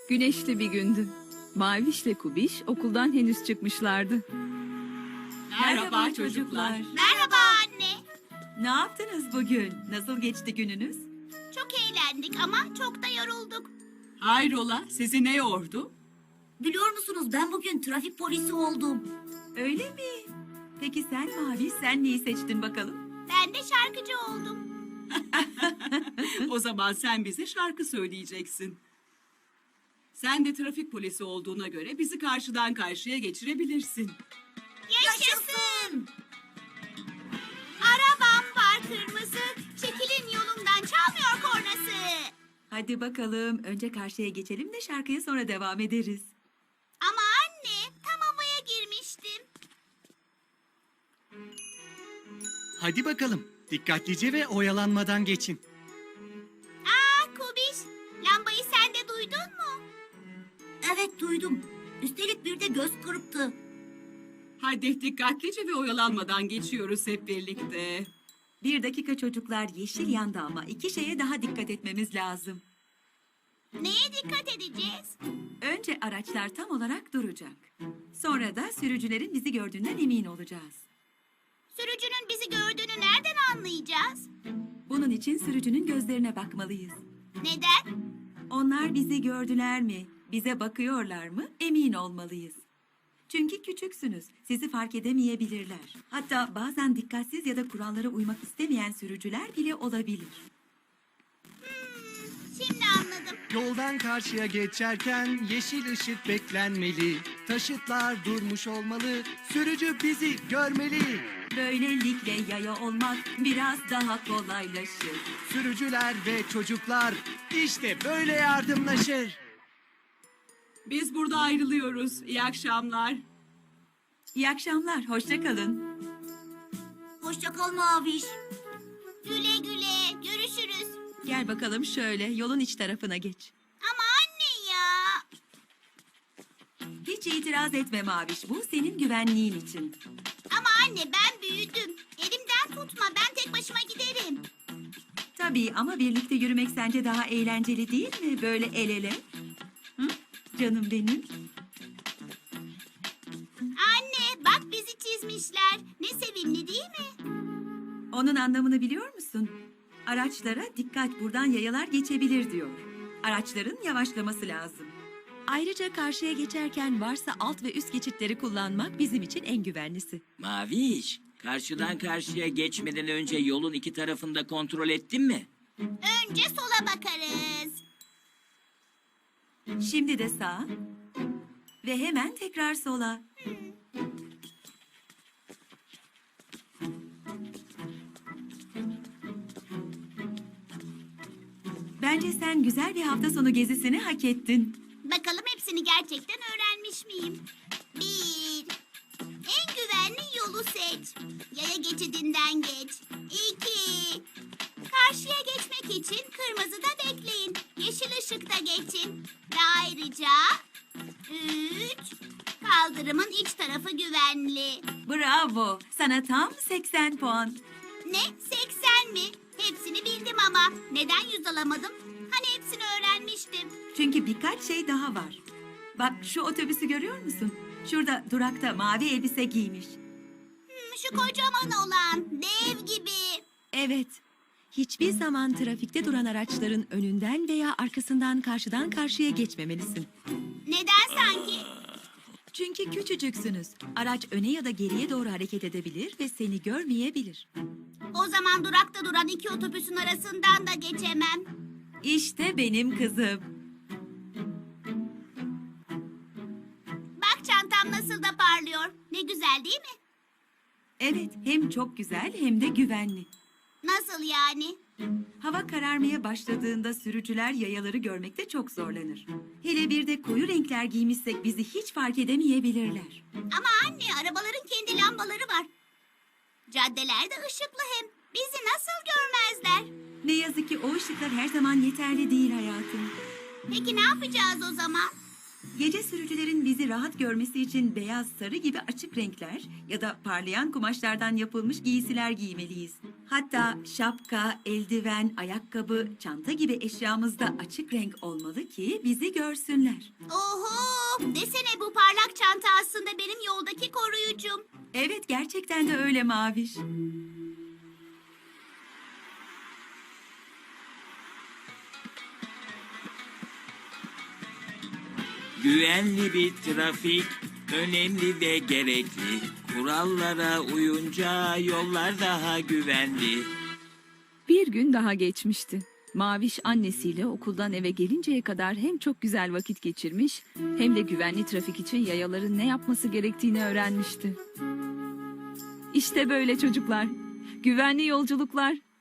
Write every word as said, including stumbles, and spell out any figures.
Güneşli bir gündü. Mavişle Kubiş okuldan henüz çıkmışlardı. Merhaba çocuklar. Merhaba anne. Ne yaptınız bugün? Nasıl geçti gününüz? Çok eğlendik ama çok da yorulduk. Hayrola, sizi ne yordu? Biliyor musunuz ben bugün trafik polisi oldum. Öyle mi? Peki sen Mavi, sen neyi seçtin bakalım? Ben de şarkıcı oldum. O zaman sen bize şarkı söyleyeceksin. Sen de trafik polisi olduğuna göre bizi karşıdan karşıya geçirebilirsin. Yaşasın! Arabam var kırmızı, çekilin yolumdan çalmıyor kornası. Hadi bakalım, önce karşıya geçelim de şarkıya sonra devam ederiz. Ama anne, tam havaya girmiştim. Hadi bakalım. Dikkatlice ve oyalanmadan geçin. Aa Kubiş, lambayı sen de duydun mu? Evet duydum. Üstelik bir de göz kırptı. Hadi dikkatlice ve oyalanmadan geçiyoruz hep birlikte. Bir dakika çocuklar, yeşil yandı ama iki şeye daha dikkat etmemiz lazım. Neye dikkat edeceğiz? Önce araçlar tam olarak duracak. Sonra da sürücülerin bizi gördüğünden emin olacağız. Sürücünün bizi gördüğünü nereden anlayacağız? Bunun için sürücünün gözlerine bakmalıyız. Neden? Onlar bizi gördüler mi, bize bakıyorlar mı emin olmalıyız. Çünkü küçüksünüz, sizi fark edemeyebilirler. Hatta bazen dikkatsiz ya da kurallara uymak istemeyen sürücüler bile olabilir. Şimdi anladım. Yoldan karşıya geçerken yeşil ışık beklenmeli. Taşıtlar durmuş olmalı. Sürücü bizi görmeli. Böylelikle yaya olmak biraz daha kolaylaşır. Sürücüler ve çocuklar işte böyle yardımlaşır. Biz burada ayrılıyoruz. İyi akşamlar. İyi akşamlar, hoşça kalın. Hoşça kal Maviş. Güle güle, görüşürüz. Gel bakalım şöyle, yolun iç tarafına geç. Ama anne ya. Hiç itiraz etme Maviş, bu senin güvenliğin için. Ama anne ben büyüdüm. Elimden tutma, ben tek başıma giderim. Tabii ama birlikte yürümek sence daha eğlenceli değil mi? Böyle el ele. Hı? Canım benim. Anne bak bizi çizmişler. Ne sevimli değil mi? Onun anlamını biliyor musun? Araçlara dikkat, buradan yayalar geçebilir diyor. Araçların yavaşlaması lazım. Ayrıca karşıya geçerken varsa alt ve üst geçitleri kullanmak bizim için en güvenlisi. Maviş, karşıdan karşıya geçmeden önce yolun iki tarafında kontrol ettin mi? Önce sola bakarız. Şimdi de sağa. Ve hemen tekrar sola. Bence sen güzel bir hafta sonu gezisini hak ettin. Bakalım hepsini gerçekten öğrenmiş miyim? Bir. En güvenli yolu seç. Yaya geçidinden geç. İki. Karşıya geçmek için kırmızıda bekleyin. Yeşil ışıkta geçin. Ve ayrıca... Üç. Kaldırımın iç tarafı güvenli. Bravo. Sana tam seksen puan. Ne? Seksen mi? Hepsini bildim ama. Neden yüz alamadım? Hani hepsini öğrenmiştim. Çünkü birkaç şey daha var. Bak şu otobüsü görüyor musun? Şurada durakta mavi elbise giymiş. Hmm, şu kocaman olan. Dev gibi. Evet, hiçbir zaman trafikte duran araçların önünden veya arkasından karşıdan karşıya geçmemelisin. Neden sanki? Çünkü küçücüksünüz. Araç öne ya da geriye doğru hareket edebilir ve seni görmeyebilir. O zaman durakta duran iki otobüsün arasından da geçemem. İşte benim kızım. Bak çantam nasıl da parlıyor. Ne güzel değil mi? Evet, hem çok güzel hem de güvenli. Nasıl yani? Hava kararmaya başladığında sürücüler yayaları görmekte çok zorlanır. Hele bir de koyu renkler giymişsek bizi hiç fark edemeyebilirler. Ama anne arabaların kendi lambaları var. Caddelerde ışıklı hem. Bizi nasıl görmezler? Ne yazık ki o ışıklar her zaman yeterli değil hayatım. Peki ne yapacağız o zaman? Gece sürücülerin bizi rahat görmesi için beyaz, sarı gibi açık renkler ya da parlayan kumaşlardan yapılmış giysiler giymeliyiz. Hatta şapka, eldiven, ayakkabı, çanta gibi eşyamız da açık renk olmalı ki bizi görsünler. Oho! Desene bu parlak çanta aslında benim yoldaki koruyucum. Evet, gerçekten de öyle Maviş. Güvenli bir trafik önemli ve gerekli. Kurallara uyunca yollar daha güvenli. Bir gün daha geçmişti. Maviş annesiyle okuldan eve gelinceye kadar hem çok güzel vakit geçirmiş hem de güvenli trafik için yayaların ne yapması gerektiğini öğrenmişti. İşte böyle çocuklar. Güvenli yolculuklar.